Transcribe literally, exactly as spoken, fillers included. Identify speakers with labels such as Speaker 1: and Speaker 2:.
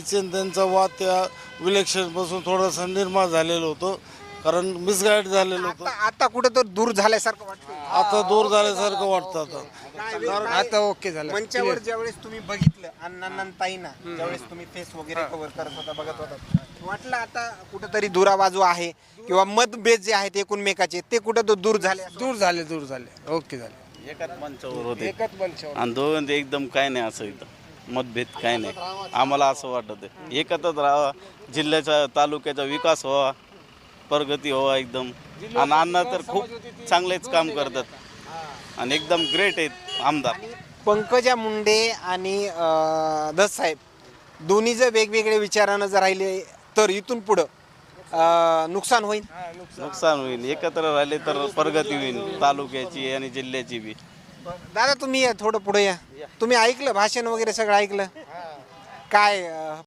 Speaker 1: दादांची आणि त्यांचा वाद त्या इलेक्शनपासून थोडासा निर्माण झालेलं होतं, कारण मिसगाईड झालेलं होतं.
Speaker 2: आता आता कुठं तर दूर झाल्यासारखं वाटतं.
Speaker 1: आता दूर झाल्यासारखं वाटतं आता.
Speaker 2: आता ओके झालं. मंचावर ज्यावेळेस तुम्ही बघितलं अण्णांना आणि ताईंना, ज्यावेळेस तुम्ही फेस वगैरे कव्हर करत होता, बघत होता, वाटलं आता कुठंतरी दुराबाजू आहे किंवा मतभेद जे आहेत एकूणमेकाचे ते कुठं तर दूर झाले असं
Speaker 3: दूर झाले दूर झाले ओके झाले.
Speaker 4: एकाच मंचावर होते
Speaker 3: एकच मंचावर
Speaker 4: आणि दोघांचे एकदम काय नाही असं इथं मतभेद काय नाही. आम्हाला असं वाटत आहे एकत्रच राहावा, जिल्ह्याचा तालुक्याचा विकास व्हावा, प्रगती व्हावा एकदम. आणि अण्णा तर खूप चांगलेच काम करतात आणि एकदम ग्रेट आहेत आमदार.
Speaker 2: पंकजा मुंडे आणि अं, दस साहेब दोन्ही जर वेगवेगळे विचारानं जर राहिले तर इथून पुढं अं, नुकसान होईल.
Speaker 4: नुकसान होईल. एकत्र राहिले तर प्रगती होईल तालुक्याची आणि जिल्ह्याची बी.
Speaker 2: दादा तुम्ही या थोडं पुढे या. तुम्ही ऐकलं भाषण वगैरे सगळं ऐकलं काय अं,